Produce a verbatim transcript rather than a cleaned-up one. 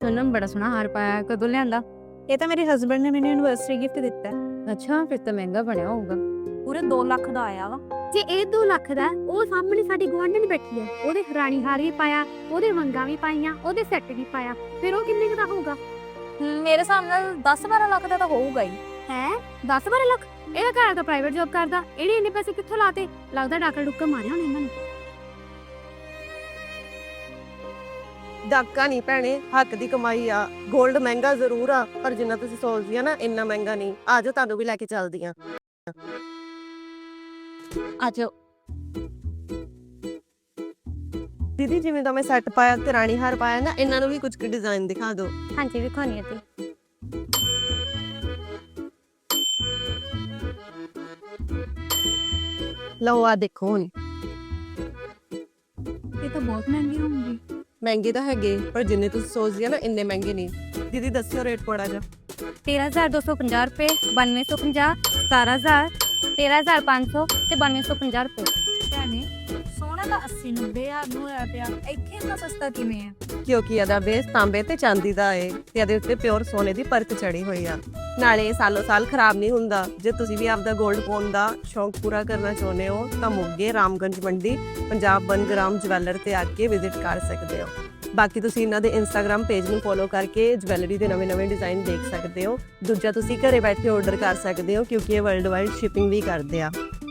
सोनम बड़ा सोहना हार पाया, कदों लिआंदा? ਇਹ ਤਾਂ ਮੇਰੇ ਹਸਬੰਡ ਨੇ ਮੈਨੂੰ ਯੂਨੀਵਰਸਿਟੀ ਗਿਫਟ ਦਿੱਤਾ ਹੈ। अच्छा फिर तो महंगा बनया होगा। ਪੂਰੇ ਦੋ ਲੱਖ ਦਾ ਆਇਆ ਵਾ। ਜੇ ਇਹ ਦੋ ਲੱਖ ਦਾ ਹੈ, ਉਹ ਸਾਹਮਣੇ ਸਾਡੀ ਗੁਆਂਢਣ ਬੈਠੀ ਹੈ, ਉਹਦੇ ਰਾਣੀ ਹਾਰ ਵੀ ਪਾਇਆ, ਉਹਦੇ ਵੰਗਾਂ ਵੀ ਪਾਈਆਂ, ਉਹਦੇ ਸੈੱਟ ਵੀ ਪਾਇਆ, ਫਿਰ ਉਹ ਕਿੰਨੇ ਕੁ ਦਾ ਹੋਊਗਾ? ਹਮ, ਮੇਰੇ ਹਿਸਾਬ ਨਾਲ ਦਸ ਬਾਰਾਂ ਲੱਖ ਦਾ ਤਾਂ ਹੋਊਗਾ ਹੀ। ਹੈ ਦਸ ਬਾਰਾਂ ਲੱਖ? ਇਹਦਾ ਘਰ ਤਾਂ ਪ੍ਰਾਈਵੇਟ ਜੌਬ ਕਰਦਾ, ਇਹਨੇ ਇੰਨੇ ਪੈਸੇ ਕਿੱਥੋਂ ਲਾਤੇ? ਲੱਗਦਾ ਡਾਕਰ ਡੁੱਕਾ ਮਾਰਿਆ ਹੋਣਾ ਇਹਨਾਂ ਨੇ। ਡਾਕਾ ਨਹੀਂ ਭੈਣੇ, ਹੱਕ ਦੀ ਕਮਾਈ ਆ। ਗੋਲਡ ਮਹਿੰਗਾ ਜ਼ਰੂਰ ਆ, ਪਰ ਜਿੰਨਾ ਤੁਸੀਂ ਸੋਚਦੀ ਆ ਨਾ ਇੰਨਾ ਮਹਿੰਗਾ ਨਹੀਂ। ਆ ਜਾਓ, ਤੁਹਾਨੂੰ ਵੀ ਲੈ ਕੇ ਚੱਲਦੀ ਆ। ਆ ਜਾਓ ਦੀਦੀ, ਜਿਵੇਂ ਦਾ ਮੈਂ ਸੈੱਟ ਪਾਇਆ ਤੇ ਰਾਣੀ ਹਾਰ ਪਾਇਆ ਨਾ, ਇਹਨਾਂ ਨੂੰ ਵੀ ਕੁਝ ਕੁ ਡਿਜ਼ਾਈਨ ਦਿਖਾ ਦਿਓ। ਹਾਂਜੀ ਵਿਖਾਉਣੀ ਹੈ ਤੇ ਲਓ ਆ ਦੇਖੋ ਹੁਣ। ਇਹ ਤਾਂ ਬਹੁਤ ਮਹਿੰਗੀ ਹੋਊਗੀ। ਮਹਿੰਗੇ ਤਾਂ ਹੈਗੇ, ਪਰ ਜਿੰਨੇ ਤੁਸੀਂ ਸੋਚਦੀ ਆ ਨਾ ਇੰਨੇ ਮਹਿੰਗੇ ਨਹੀਂ। ਦੀਦੀ ਦੱਸਿਓ ਰੇਟ ਥੋੜਾ ਜਿਹਾ। ਤੇਰਾਂ ਹਜ਼ਾਰ ਦੋ ਸੌ ਪੰਜਾਹ ਰੁਪਏ, ਬਾਨਵੇਂ ਸੌ ਪੰਜਾਹ, ਸਤਾਰਾਂ ਹਜ਼ਾਰ, ਤੇਰਾਂ ਹਜ਼ਾਰ ਪੰਜ ਸੌ ਤੇ ਬਾਨਵੇਂ ਸੌ ਪੰਜਾਹ ਰੁਪਏ। ਭੈਣੇ ਸੋਨਾ ਤਾਂ ਅੱਸੀ ਨੱਬੇ ਹਜ਼ਾਰ ਨੂੰ ਹੋਇਆ ਪਿਆ, ਇੱਥੇ ਇੰਨਾ ਸਸਤਾ ਕਿਵੇਂ ਹੈ? ਕਿਉਂਕਿ ਇਹਦਾ ਬੇਸ ਤਾਂਬੇ ਤੇ ਚਾਂਦੀ ਦਾ ਏ ਤੇ ਇਹਦੇ ਉੱਤੇ ਪਿਓਰ ਸੋਨੇ ਦੀ ਪਰਤ ਚੜੀ ਹੋਈ ਆ। ਨਾਲੇ ਇਹ ਸਾਲੋ ਸਾਲ ਖਰਾਬ ਨਹੀਂ ਹੁੰਦਾ। ਜੇ ਤੁਸੀਂ ਵੀ ਆਪਦਾ 골ਡ ਪਾਉਣ ਦਾ ਸ਼ੌਂਕ ਪੂਰਾ ਕਰਨਾ ਚਾਹੁੰਦੇ ਹੋ ਤਾਂ ਮੋਗੇ ਰਾਮਗੰਜ ਮੰਡੀ ਪੰਜਾਬ ਵਨ ਗ੍ਰਾਮ ਜਵੈਲਰ ਤੇ ਆ ਕੇ ਵਿਜ਼ਿਟ ਕਰ ਸਕਦੇ ਹੋ। ਬਾਕੀ ਤੁਸੀਂ ਇਹਨਾਂ ਦੇ ਇੰਸਟਾਗ੍ਰam ਪੇਜ ਨੂੰ ਫੋਲੋ ਕਰਕੇ ਜਵੈਲਰੀ ਦੇ ਨਵੇਂ-ਨਵੇਂ ਡਿਜ਼ਾਈਨ ਦੇਖ ਸਕਦੇ ਹੋ। ਦੂਜਾ ਤੁਸੀਂ ਘਰੇ ਬੈਠੇ ਆਰਡਰ ਕਰ ਸਕਦੇ ਹੋ, ਕਿਉਂਕਿ ਇਹ ਵਰਲਡ ਵਾਈਡ ਸ਼ਿਪਿੰਗ ਵੀ ਕਰਦੇ ਆ।